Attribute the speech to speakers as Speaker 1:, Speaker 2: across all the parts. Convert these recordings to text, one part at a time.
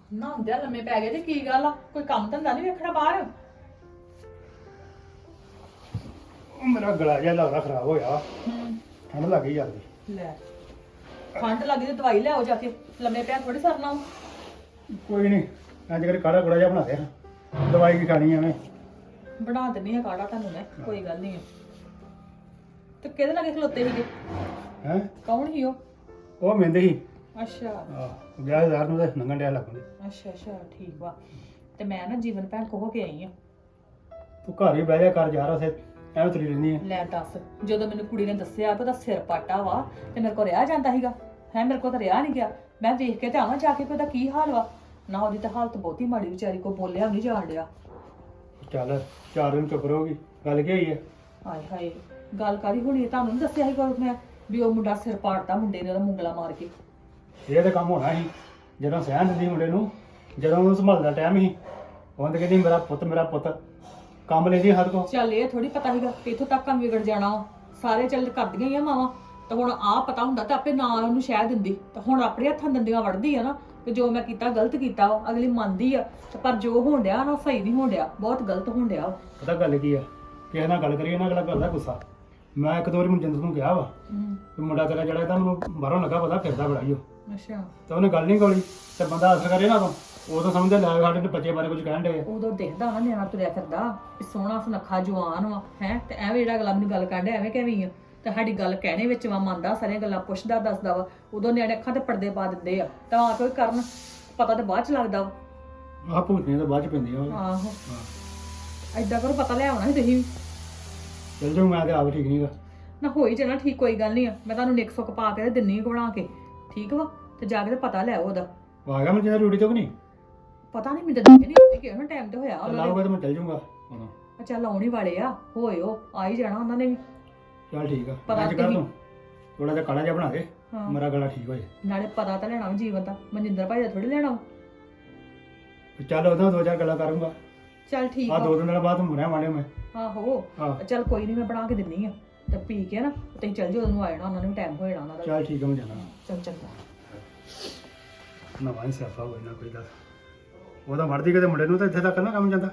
Speaker 1: ਨਾ ਹੁੰਦਿਆ ਲੰਮੇ ਪੈ ਗਏ ਤੇ ਕੀ ਗੱਲ ਆ? ਕੋਈ ਕੰਮ ਧੰਦਾ ਨਹੀਂ ਵੇਖਣਾ ਬਾਹਰ?
Speaker 2: ਉਹ ਮੇਰਾ ਗਲਾ ਜਿਹਾ ਲੱਗਦਾ ਖਰਾਬ ਹੋਇਆ। ਠੰਡ ਲੱਗ ਗਈ ਜਲਦੀ।
Speaker 1: ਲੈ ਠੰਡ ਲੱਗੀ ਤੇ ਦਵਾਈ ਲਿਆਓ ਜਾ ਕੇ। ਲੰਮੇ ਪਿਆ ਥੋੜੀ ਸਰਨਾ।
Speaker 2: ਕੋਈ ਨਹੀਂ, ਅੱਜ ਕੱਲ੍ਹ ਕਾੜਾ ਕੁੜਾ ਜਿਹਾ ਬਣਾ ਦੇ। ਦਵਾਈ ਕੀ ਖਾਣੀ ਐਵੇਂ।
Speaker 1: ਬਣਾ ਦਿੰਨੀ ਆ ਕਾੜਾ ਤੁਹਾਨੂੰ ਮੈਂ, ਕੋਈ ਗੱਲ ਨਹੀਂ। ਤੇ ਕਿਹਦੇ ਨਾਲ ਖਲੋਤੇ ਸੀਗੇ?
Speaker 2: ਹੈ
Speaker 1: ਕੌਣ ਸੀ ਉਹ?
Speaker 2: ਉਹ ਮਹਿੰਦੇ ਸੀ।
Speaker 1: ਅੱਛਾ
Speaker 2: ਆਹ ਵਿਆਹ ਹਜ਼ਾਰ ਨੂੰ ਤਾਂ ਨੰਗਣ ਡਿਆ ਲੱਗਦੇ।
Speaker 1: ਅੱਛਾ ਠੀਕ ਵਾ। ਤੇ ਮੈਂ ਨਾ ਜੀਵਨ ਭੈਣ ਕੋ ਹੋ ਕੇ ਆਈ ਆ।
Speaker 2: ਤੂੰ ਘਰ ਹੀ ਬਹਿ ਜਾ ਕਰ ਯਾਰ, ਉਥੇ ਐਵੇਂ ਤੁਰੀ ਰਹਿੰਦੀ ਹੈ।
Speaker 1: ਲੈ ਦੱਸ, ਜਦੋਂ ਮੈਨੂੰ ਕੁੜੀ ਨੇ ਦੱਸਿਆ ਕਿ ਉਹਦਾ ਸਿਰ ਪਾਟਾ ਵਾ ਤੇ ਮੇਰੇ ਕੋਲ ਰਿਹਾ ਜਾਂਦਾ ਸੀਗਾ ਹੈ, ਮੇਰੇ ਕੋਲ ਤਾਂ ਰਿਹਾ ਨਹੀਂ ਗਿਆ। ਮੈਂ ਵੇਖ ਕੇ ਤੇ ਆਵਾਂ ਜਾ ਕੇ ਕਿ ਉਹਦਾ ਕੀ ਹਾਲ ਵਾ। ਨਾ ਉਹਦੀ ਤਾਂ ਹਾਲਤ ਬਹੁਤੀ ਮਾੜੀ, ਵਿਚਾਰੀ ਕੋ ਬੋਲਿਆ ਵੀ ਨਹੀਂ ਜਾਣ ਡਿਆ।
Speaker 2: ਚੱਲ 4 ਦਿਨ ਚੁੱਪ ਰਹੋਗੀ। ਗੱਲ ਕੀ ਹੋਈ ਹੈ?
Speaker 1: ਹਾਏ ਹਾਏ, ਗੱਲ ਕਾਹਦੀ ਹੋਣੀ ਹੈ? ਤੁਹਾਨੂੰ ਨੀ ਦੱਸਿਆ ਸੀ ਕੋਈ ਮੈਂ ਵੀ ਉਹ ਮੁੰਡਾ ਸਿਰ ਪਾੜਦਾ ਮੁੰਡੇ ਨੇ, ਉਹਦਾ ਮੁੰਗਲਾ ਮਾਰ ਕੇ।
Speaker 2: ਇਹ ਤਾਂ ਕੰਮ ਹੋਣਾ ਸੀ ਜਦੋਂ ਸਹਿਣ ਦਿੰਦੀ ਮੁੰਡੇ ਨੂੰ, ਜਦੋਂ ਉਹਨੂੰ ਸੰਭਾਲਦਾ ਟਾਈਮ ਸੀ। ਉਹ ਤਾਂ ਕਹਿੰਦੀ ਮੇਰਾ ਪੁੱਤ ਕੰਮ ਲੈਂਦੀ ਹਰ ਕੋ।
Speaker 1: ਚੱਲ ਇਹ ਥੋੜੀ ਪਤਾ ਸੀਗਾ ਕਿ ਇੱਥੋਂ ਤੱਕ ਕੰਮ ਵਿਗੜ ਜਾਣਾ ਵਾ। ਸਾਰੇ ਚੱਲ ਕਰਦੀਆਂ ਹੀ ਆ ਮਾਵਾਂ। ਤਾਂ ਹੁਣ ਆਹ ਪਤਾ ਹੁੰਦਾ ਤਾਂ ਆਪੇ ਨਾ ਉਹਨੂੰ ਸ਼ਹਿ ਦਿੰਦੀ। ਤਾਂ ਹੁਣ ਆਪਣੇ ਹੱਥਾਂ ਦੰਦੀਆਂ ਵੜਦੀ ਆ ਨਾ ਕਿ ਜੋ ਮੈਂ ਕੀਤਾ ਗਲਤ ਕੀਤਾ ਵਾ। ਅਗਲੀ ਮੰਨਦੀ ਆ ਤੇ ਪਰ ਜੋ ਹੋਣ ਡਿਆ ਨਾ ਸਹੀ ਨਹੀਂ ਹੋਣ ਡਿਆ, ਬਹੁਤ ਗਲਤ ਹੋਣ ਡਿਆ।
Speaker 2: ਪਤਾ ਗੱਲ ਕੀ ਆ, ਕਿਸੇ ਨਾਲ ਗੱਲ ਕਰੀਏ ਨਾ ਅਗਲਾ ਕਰਦਾ ਗੁੱਸਾ। ਮੈਂ ਇੱਕ ਦੋ ਵਾਰੀ ਮਨਜਿੰਦਰ ਨੂੰ ਕਿਹਾ ਵਾ ਵੀ ਮੁੰਡਾ ਤੇਰਾ ਜਿਹੜਾ ਇਹਦਾ ਮੈਨੂੰ ਬਾਹਰੋਂ ਲੱਗਾ ਪਤਾ ਫਿਰਦਾ ਬੜਾ ਹੀ ਉਹ।
Speaker 1: ਅੱਛਾ।
Speaker 2: ਤਾਂ ਉਹਨੇ ਗੱਲ ਨਹੀਂ ਕੋਲੀ ਤੇ ਬੰਦਾ ਅਸਰ ਕਰੇ ਨਾ ਤੋਂ ਉਦੋਂ ਸਮਝਦੇ ਲੈ ਸਾਡੇ ਤੇ ਬੱਚੇ ਬਾਰੇ ਕੁਝ ਕਹਿਣ ਡੇ।
Speaker 1: ਉਦੋਂ ਦੇਖਦਾ ਨਾ ਨਿਆਣਾ ਤੁਰਿਆ ਫਿਰਦਾ ਵੀ ਸੋਹਣਾ ਸੁਨੱਖਾ ਜਵਾਨ ਵਾ ਹੈ, ਤੇ ਐਵੇਂ ਜਿਹੜਾ ਅਗਲਾ ਮੈਨੂੰ ਗੱਲ ਕਰਦੇ ਐਵੇਂ ਕਿਵੇਂ ਆ। ਤੇ ਸਾਡੀ ਗੱਲ ਕਹਿਣੇ ਵਿੱਚ ਵਾ, ਮੰਨਦਾ ਸਾਰੀਆਂ ਗੱਲਾਂ ਪੁੱਛਦਾ ਦੱਸਦਾ ਵਾ। ਉਦੋਂ ਨਿਆਣੇ ਅੱਖਾਂ ਤੇ ਪਰਦੇ ਪਾ ਦਿੰਦੇ ਆ ਤਾਂ ਆ ਕੋਈ ਕਰਨ ਪਤਾ ਤੇ ਬਾਅਦ ਚ ਲੱਗਦਾ ਵਾ।
Speaker 2: ਆਹ ਭੂਤਨੀਆਂ ਤਾਂ ਬਾਅਦ ਚ ਪੈਂਦੀਆਂ ਵਾ।
Speaker 1: ਆਹੋ ਏਦਾਂ ਕਰੋ, ਪਤਾ ਲੈ ਆਉਣਾ ਸੀ ਤੁਸੀਂ।
Speaker 2: ਚੱਲ ਜਾਊ ਮੈਂ ਤੇ ਆਪ ਠੀਕ ਨਹੀਂਗਾ।
Speaker 1: ਨਾ ਹੋਈ ਜਾਣਾ ਠੀਕ, ਕੋਈ ਗੱਲ ਨਹੀਂ ਆ। ਮੈਂ ਤੁਹਾਨੂੰ ਨਿੱਕ ਸੁੱਕ ਪਾ ਕੇ ਤੇ ਦਿੰਨੀ ਬਣਾ ਕੇ, ਠੀਕ ਵਾ। ਤੇ ਜਾ ਕੇ ਤੇ ਪਤਾ ਲੈ ਆਓ ਉਹਦਾ।
Speaker 2: ਆ ਗਿਆ ਮਨਜਿੰਦਰ ਡਿਊਟੀ ਤੋਂ ਕਿ ਨਹੀਂ?
Speaker 1: ਪਤਾ ਨਹੀਂ, ਮੈਨੂੰ ਤਾਂ ਨਹੀਂ ਕਿਹਾ ਨਾ ਟਾਈਮ ਤੇ ਹੋਇਆ ਉਹਨਾਂ
Speaker 2: ਲਾਊਗਾ
Speaker 1: ਦੇ।
Speaker 2: ਤਾਂ ਮੈਂ ਚੱਲ ਜਾਊਂਗਾ ਉਦੋਂ।
Speaker 1: ਚੱਲ ਆਉਣ ਹੀ ਵਾਲੇ ਆ, ਹੋਇਓ ਆ ਹੀ ਜਾਣਾ ਉਹਨਾਂ ਨੇ ਵੀ।
Speaker 2: ਚੱਲ ਠੀਕ ਆ,
Speaker 1: ਪਤਾ
Speaker 2: ਅੱਜ ਕਰ
Speaker 1: ਕੀ-
Speaker 2: ਤੂੰ ਥੋੜਾ ਜਿਹਾ ਕਾਲਾ ਜਿਹਾ ਬਣਾ ਦੇ,
Speaker 1: ਹਾਂ।
Speaker 2: ਮੇਰਾ ਗਲਾ ਠੀਕ ਹੋ ਜਾਏ।
Speaker 1: ਨਾਲੇ ਪਤਾ ਤਾਂ ਲੈਣਾ ਵਾ ਜੀਵਨ ਦਾ, ਮਨਜਿੰਦਰ ਭਾਈ ਦਾ ਥੋੜੀ ਲੈਣਾ ਵਾ।
Speaker 2: ਚੱਲ ਉਹਦਾ 2-4 ਗੱਲਾਂ ਕਰੂੰਗਾ।
Speaker 1: ਚੱਲ ਠੀਕ
Speaker 2: ਆ
Speaker 1: ਆ।
Speaker 2: 2 ਦਿਨ ਬਾਅਦ ਮੁੜਿਆ ਮਾੜਿਓ ਮੈਂ।
Speaker 1: ਆਹੋ
Speaker 2: ਹਾਂ
Speaker 1: ਚੱਲ ਕੋਈ ਨਹੀਂ, ਮੈਂ ਬਣਾ ਕੇ ਦਿੰਨੀ ਆ। ਤੇ ਪੀ ਕੇ ਨਾ ਤੁਸੀਂ ਚੱਲ ਜਾਓ, ਉਹਨੂੰ ਆ ਜਾਣਾ, ਉਹਨਾਂ ਨੂੰ ਟਾਈਮ ਹੋ ਜਾਣਾ ਉਹਨਾਂ ਦਾ।
Speaker 2: ਚੱਲ ਠੀਕ ਆ, ਮੈਂ ਜਾਣਾ।
Speaker 1: ਚੱਲ ਚੰਗਾ।
Speaker 2: ਨਵਾਂ ਹੀ ਸਿਆਪਾ ਹੋਇਆ ਨਾ ਕੋਈ ਦਾ। ਉਹਦਾ ਵੜਦੀ ਕਿਤੇ ਮੁੰਡੇ ਨੂੰ ਤਾਂ ਇੱਥੇ ਤੱਕ ਨਾ ਕੰਮ ਜਾਂਦਾ।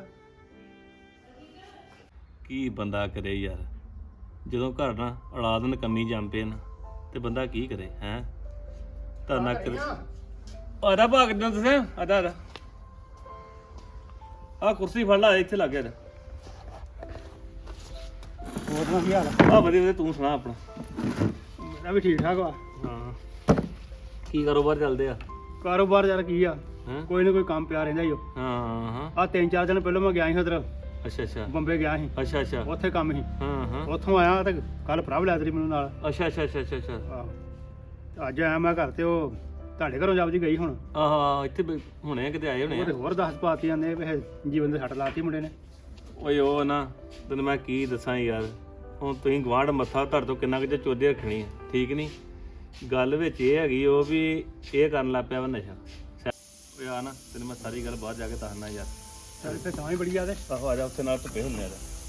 Speaker 3: ਕੀ ਬੰਦਾ ਕਰੇ ਯਾਰ, ਜਦੋਂ ਘਰ ਨਾ ਔਲਾਦ ਨਕੰਮੀ ਜੰਮ ਪਏ ਨਾ ਤੇ ਬੰਦਾ ਕੀ ਕਰੇ ਹੈ। ਧਰਨਾ ਕਰ ਆਦਾ ਭਾਗ ਦਿਨ ਤੁਸੀਂ ਆਦਾ ਆ ਕੁਰਸੀ ਫੜ ਲਾ, ਇੱਥੇ ਲੱਗ ਗਿਆ।
Speaker 2: ਹੋਰ ਨਾ ਕੀ ਹਾਲ ਆ?
Speaker 3: ਆ ਵਧੀਆ ਵਧੀਆ, ਤੂੰ ਸੁਣਾ ਆਪਣਾ।
Speaker 2: ਮੇਰਾ ਵੀ ਠੀਕ ਠਾਕ ਵਾ।
Speaker 3: ਹਾਂ ਕੀ ਕਾਰੋਬਾਰ ਚੱਲਦੇ ਆ?
Speaker 2: ਕਾਰੋਬਾਰ ਯਾਰ ਕੀ ਆ,
Speaker 3: ਹੈਂ?
Speaker 2: ਕੋਈ ਨਾ ਕੋਈ ਕੰਮ ਪਿਆ ਰਹਿੰਦਾ ਹੀ ਉਹ।
Speaker 3: ਹਾਂ ਹਾਂ
Speaker 2: ਆ 3-4 ਦਿਨ ਪਹਿਲਾਂ ਮੈਂ ਗਿਆ ਸੀ ਉਧਰ
Speaker 3: ਅੱਛਾ ਅੱਛਾ
Speaker 2: ਬੰਬੇ ਗਿਆ ਸੀ,
Speaker 3: ਅੱਛਾ ਅੱਛਾ
Speaker 2: ਉੱਥੇ ਕੰਮ ਸੀ।
Speaker 3: ਹਾਂ ਹਾਂ
Speaker 2: ਉੱਥੋਂ ਆਇਆ ਤੇ ਕੱਲ ਭਰਾ ਲਿਆ ਤੇਰੀ ਮੈਨੂੰ ਨਾਲ।
Speaker 3: ਅੱਛਾ ਅੱਛਾ ਅੱਛਾ ਅੱਛਾ ਅੱਛਾ
Speaker 2: ਆਹੋ ਤੇ ਅੱਜ ਆਇਆ ਮੈਂ ਘਰ ਤੇ ਉਹ ਤੁਹਾਡੇ ਘਰੋਂ ਜਾਬ ਜੀ ਗਈ ਹੁਣ।
Speaker 3: ਆਹ ਇੱਥੇ ਹੁਣੇ ਕਿਤੇ ਆਏ ਹੋਣੇ
Speaker 2: ਉਹ ਤੇ
Speaker 3: ਆ।
Speaker 2: ਹੋਰ 10 ਪਾਤੀ ਜਾਂਦੇ ਵੀ ਇਹ ਜੀਵਨ ਦੇ ਸੱਟ ਲਾਤੀ ਮੁੰਡੇ ਨੇ।
Speaker 3: ਓਏ ਉਹ ਨਾ ਤੈਨੂੰ ਮੈਂ ਕੀ ਦੱਸਾਂ ਯਾਰ, ਹੁਣ ਤੁਸੀਂ ਗਵਾਂਢ ਮੱਥਾ ਧੜ ਤੋਂ ਕਿੰਨਾ ਕੁ ਚੋਦੇ ਰੱਖਣੀ ਆ, ਠੀਕ ਨਹੀਂ। ਗੱਲ ਵਿੱਚ ਇਹ ਹੈਗੀ ਉਹ ਵੀ ਇਹ ਕਰਨ ਲੱਗ ਪਿਆ ਵਾ ਨਸ਼ਾ। ਓਏ ਆ ਨਾ ਤੈਨੂੰ ਮੈਂ ਸਾਰੀ ਗੱਲ ਬਾਹਰ ਜਾ ਕੇ ਦੱਸਣਾ ਯਾਰ।
Speaker 2: ਚੱਲ ਤੇ ਤਾਂ ਹੀ ਬੜੀ ਆ ਤੇ।
Speaker 3: ਆਹੋ ਆ ਜਾ ਉੱਥੇ ਨਾਲ ਧੁੱਪੇ ਹੁੰਨੇ ਆ।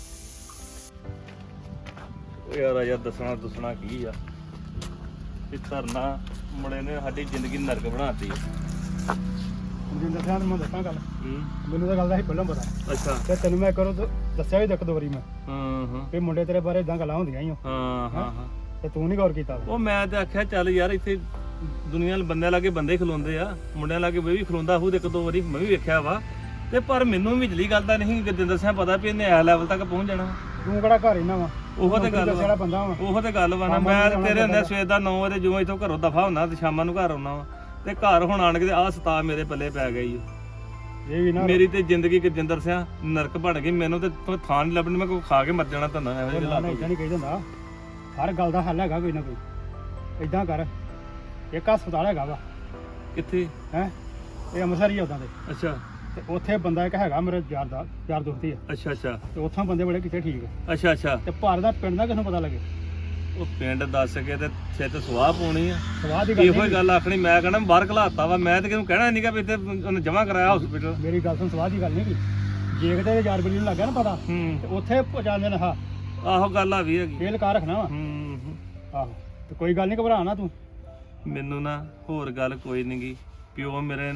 Speaker 3: ਓ ਯਾਰ ਆ ਯਾਰ ਦੱਸਣਾ ਕੀ ਆ ਇਹ ਧਰਨਾ ਮੁੰਡੇ ਨੇ ਸਾਡੀ ਜ਼ਿੰਦਗੀ ਨਰਕ ਬਣਾਤੀ।
Speaker 2: ਜਿੰਦਰ ਸਿੰਘ ਨੂੰ ਮੈਂ ਦੱਸਾਂ ਗੱਲ,
Speaker 3: ਹੂੰ
Speaker 2: ਮੈਨੂੰ ਤਾਂ ਗੱਲ ਦਾ ਹੀ ਪਹਿਲਾਂ ਪਤਾ
Speaker 3: ਅੱਛਾ
Speaker 2: ਤੇ ਤੈਨੂੰ ਮੈਂ ਕਰੋ ਦੱਸਿਆ ਵੀ ਇੱਕ ਦੋ ਵਾਰੀ ਮੈਂ
Speaker 3: ਹਾਂ ਹਾਂ
Speaker 2: ਵੀ ਮੁੰਡੇ ਤੇਰੇ ਬਾਰੇ ਇਦਾਂ ਗੱਲਾਂ ਹੁੰਦੀਆਂ ਹੀ ਉਹ,
Speaker 3: ਹਾਂ ਹਾਂ ਹਾਂ
Speaker 2: ਤੇ ਤੂੰ ਨਹੀਂ ਗੌਰ ਕੀਤਾ।
Speaker 3: ਉਹ ਮੈਂ ਤੇ ਆਖਿਆ ਚੱਲ ਯਾਰ ਇੱਥੇ ਦੁਨੀਆ ਬੰਦਿਆਂ ਲਾਗੇ ਬੰਦੇ ਖਲੋਂਦੇ ਆ, ਮੁੰਡਿਆਂ ਲਾਗੇ ਮੈਂ ਵੀ ਖਲੋਂਦਾ ਹੂ, ਇੱਕ ਦੋ ਵਾਰੀ ਮੈਂ ਵੀ ਵੇਖਿਆ ਵਾ। ਤੇ ਪਰ ਮੈਨੂੰ ਵਿਚਲੀ ਗੱਲ ਦਾ ਨਹੀਂ ਜਿੰਦਰ ਸਿੰਘ ਪਤਾ ਵੀ ਇਹਨੇ ਐ ਲੈਵਲ ਤੱਕ ਪਹੁੰਚ ਜਾਣਾ।
Speaker 2: ਤੂੰ ਕਿਹੜਾ ਘਰ ਇਹਨਾਂ ਵਾ,
Speaker 3: ਉਹੋ ਤੇ ਗੱਲ
Speaker 2: ਜਿਹੜਾ ਬੰਦਾ ਵਾ।
Speaker 3: ਉਹੋ ਤੇ ਗੱਲ ਵਾ ਨਾ। ਮੈਂ ਤੇ ਤੇਰੇ ਹੁੰਦੇ ਸਵੇਰ ਦਾ 9 ਵਜੇ ਜਿਉਂ ਇੱਥੋਂ ਘਰੋਂ ਦਫਾ ਹੁੰਦਾ ਤੇ ਸ਼ਾਮਾਂ ਨੂੰ ਘਰ ਆਉਣਾ ਵਾ, ਤੇ ਘਰ ਹੁਣ ਆਣ ਕੇ ਆਹ ਸਤਾ ਮੇਰੇ ਪੱਲੇ ਪੈ ਗਈ।
Speaker 2: ਇਹ ਵੀ ਨਾ
Speaker 3: ਮੇਰੀ ਤੇ ਜ਼ਿੰਦਗੀ ਜਿੰਦਰ ਸਿੰਘ ਨਰਕ ਬਣ ਗਈ। ਮੈਨੂੰ ਤੇ ਥਾਂ ਨਹੀਂ ਲੱਭਣੀ, ਮੈਂ ਕੋਈ ਖਾ ਕੇ ਮਰ ਜਾਣਾ ਧੰਨਾ ਇਹੋ ਜਿਹੇ
Speaker 2: ਇਦਾਂ ਨਹੀਂ ਕਹੀ ਜਾਂਦਾ। ਹਰ ਗੱਲ ਦਾ ਹੱਲ ਹੈਗਾ ਕੋਈ ਨਾ ਕੋਈ। ਇਦਾਂ ਕਰ, ਇੱਕ ਹਸਪਤਾਲ ਹੈਗਾ ਵਾ
Speaker 3: ਕਿੱਥੇ
Speaker 2: ਹੈ, ਇਹ ਅੰਮ੍ਰਿਤਸਰ ਹੀ ਆ ਉਦਾਂ ਦੇ।
Speaker 3: ਅੱਛਾ
Speaker 2: ਤੇ ਉੱਥੇ ਬੰਦਾ ਇੱਕ ਹੈਗਾ ਮੇਰੇ ਯਾਰ ਦੋਸਤੀ ਆ,
Speaker 3: ਅੱਛਾ ਅੱਛਾ
Speaker 2: ਤੇ ਉੱਥੋਂ ਬੰਦੇ ਬੜੇ ਕਿਤੇ ਠੀਕ ਆ।
Speaker 3: ਅੱਛਾ ਅੱਛਾ
Speaker 2: ਤੇ ਭਾਰਤ ਦਾ ਪਿੰਡ ਦਾ ਕਿਸ ਨੂੰ ਪਤਾ ਲੱਗੇ।
Speaker 3: ਉਹ ਪਿੰਡ ਦੱਸ ਕੇ ਤੇ ਛੇਤ ਸਵਾਹ ਪਾਉਣੀ ਆ।
Speaker 2: ਸਵਾਦ ਦੀ ਗੱਲ
Speaker 3: ਇਹੋ ਹੀ ਗੱਲ ਆਖਣੀ। ਮੈਂ ਕਹਿੰਦਾ ਬਾਹਰ ਘਲਾਤਾ ਵਾ, ਮੈਂ ਤੇ ਕਿਹਨੂੰ ਕਹਿਣਾ ਨਹੀਂਗਾ ਵੀ ਇੱਥੇ ਉਹਨੇ ਜਮਾ ਕਰਾਇਆ ਹਸਪੀਟਲ।
Speaker 2: ਮੇਰੀ ਗੱਲ ਸੁਣ, ਸਵਾਦ ਦੀ ਗੱਲ ਨਹੀਂ ਕੀ, ਜੇ ਕਿਤੇ ਯਾਰ ਬਲੀ ਨੂੰ ਲੱਗਾ ਨਾ ਪਤਾ
Speaker 3: ਹੂੰ
Speaker 2: ਤੇ ਉੱਥੇ ਪਹੁੰਚਾਉਂਦੇ ਨੇ। ਹਾਂ
Speaker 3: ਆਹੋ ਗੱਲ ਆ ਵੀ ਹੈਗੀ।
Speaker 2: ਫੇਲ ਕਰ ਰੱਖਣਾ ਵਾ।
Speaker 3: ਹੂੰ
Speaker 2: ਆਹੋ ਤੇ ਕੋਈ ਗੱਲ ਨਹੀਂ, ਘਬਰਾ ਨਾ ਤੂੰ।
Speaker 3: ਮੈਨੂੰ ਨਾ ਹੋਰ ਗੱਲ ਕੋਈ ਨਹੀਂਗੀ। ਪਿਓ ਮੇਰੇ ਨਾਲ ਨਾ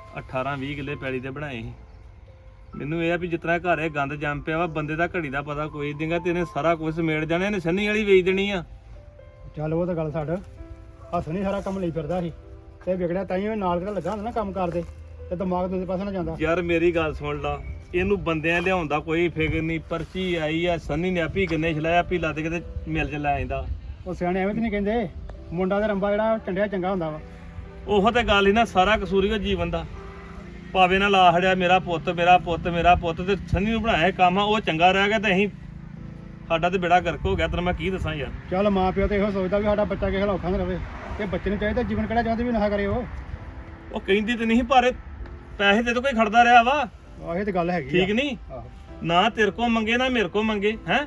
Speaker 3: 18 20 ਕਿੱਲੇ ਪੈਲੀ ਦੇ ਬਣਾਏ ਸੀ। ਮੈਨੂੰ ਇਹ ਆ ਵੀ ਜਿਤਨਾ ਘਰ ਇਹ ਗੰਦ ਜੰਮ ਪਿਆ ਵਾ ਬੰਦੇ ਦਾ ਘੜੀ ਦਾ ਪਤਾ ਕੋਈ ਦਿੰਗਾ ਤੇ ਇਹਨੇ ਸਾਰਾ ਕੁਝ ਸਮੇੜ ਜਾਣਾ, ਇਹਨੇ ਸੰਨੀ ਵਾਲੀ ਵੇਚ ਦੇਣੀ ਆ।
Speaker 2: ਚੱਲ ਉਹ ਤਾਂ ਗੱਲ ਛੱਡ, ਹੱਥ ਨਹੀਂ ਸਾਰਾ ਕੰਮ ਲਈ ਫਿਰਦਾ ਸੀ ਤੇ ਵਿਗੜਿਆ ਤਾਂ ਹੀ ਨਾਲ ਕਿਹੜਾ ਲੱਗਾ ਹੁੰਦਾ ਨਾ ਕੰਮ ਕਰਦੇ ਤੇ ਦਿਮਾਗ ਦੂਜੇ ਪਾਸੇ ਨਾ ਜਾਂਦਾ।
Speaker 3: ਯਾਰ ਮੇਰੀ ਗੱਲ ਸੁਣ ਲਾ, ਇਹਨੂੰ ਬੰਦਿਆਂ ਲਿਆਉਣ ਦਾ ਕੋਈ ਫਿਕਰ ਨਹੀਂ। ਪਰਚੀ ਆਈ ਆ, ਸੰਨੀ ਨੇ ਆਪੀ ਗੰਨੇ ਛਲਾਇਆ, ਆਪੀ ਲੱਦ ਕੇ ਤੇ ਮਿਲ ਚ ਲੈ ਆਂਦਾ।
Speaker 2: ਉਹ ਸਿਆਣੇ ਐਵੇਂ ਤਾਂ ਨਹੀਂ ਕਹਿੰਦੇ, ਮੁੰਡਾ ਦਾ ਰੰਬਾ ਜਿਹੜਾ ਚੰਡਿਆ ਚੰਗਾ ਹੁੰਦਾ ਵਾ।
Speaker 3: ਉਹ ਤੇ ਗੱਲ ਹੀ ਨਾ, ਸਾਰਾ ਕਸੂਰ ਹੀ ਉਹ ਜੀਵਨ ਦਾ। ਭਾਵੇਂ ਨਾ ਲਾ ਹੜਿਆ ਮੇਰਾ ਪੁੱਤ ਮੇਰਾ ਪੁੱਤ ਮੇਰਾ ਪੁੱਤ, ਤੇ ਸੰਨੀ ਨੂੰ ਬਣਾਇਆ ਇਹ ਕੰਮ ਆ, ਉਹ ਚੰਗਾ ਰਹਿ ਗਿਆ ਤੇ ਅਸੀਂ ਸਾਡਾ ਤੇ ਬੇੜਾ ਗਰਕ ਹੋ ਗਿਆ। ਤੈਨੂੰ ਮੈਂ ਕੀ ਦੱਸਾਂ ਯਾਰ।
Speaker 2: ਚੱਲ ਮਾਂ ਪਿਓ ਤੇ ਇਹੋ ਸੋਚਦਾ ਵੀ ਸਾਡਾ ਬੱਚਾ ਕਿਸੇ ਔਖਾ ਨਾ ਰਵੇ, ਤੇ ਬੱਚੇ ਨੂੰ ਚਾਹੀਦਾ ਜੀਵਨ ਕਿਹੜਾ ਚਾਹੁੰਦੇ ਵੀ ਨਸ਼ਾ ਕਰੇ ਉਹ।
Speaker 3: ਉਹ ਕਹਿੰਦੀ ਤੇ ਨਹੀਂ, ਪਰ ਪੈਸੇ ਤੇ ਕੋਈ ਖੜਦਾ ਰਿਹਾ ਵਾ।
Speaker 2: ਆਹ ਇਹ ਤੇ ਗੱਲ ਹੈਗੀ
Speaker 3: ਠੀਕ ਨਹੀਂ,
Speaker 2: ਆਹੋ
Speaker 3: ਨਾ ਤੇਰੇ ਕੋ ਮੰਗੇ ਨਾ ਮੇਰੇ ਕੋ ਮੰਗੇ ਹੈ।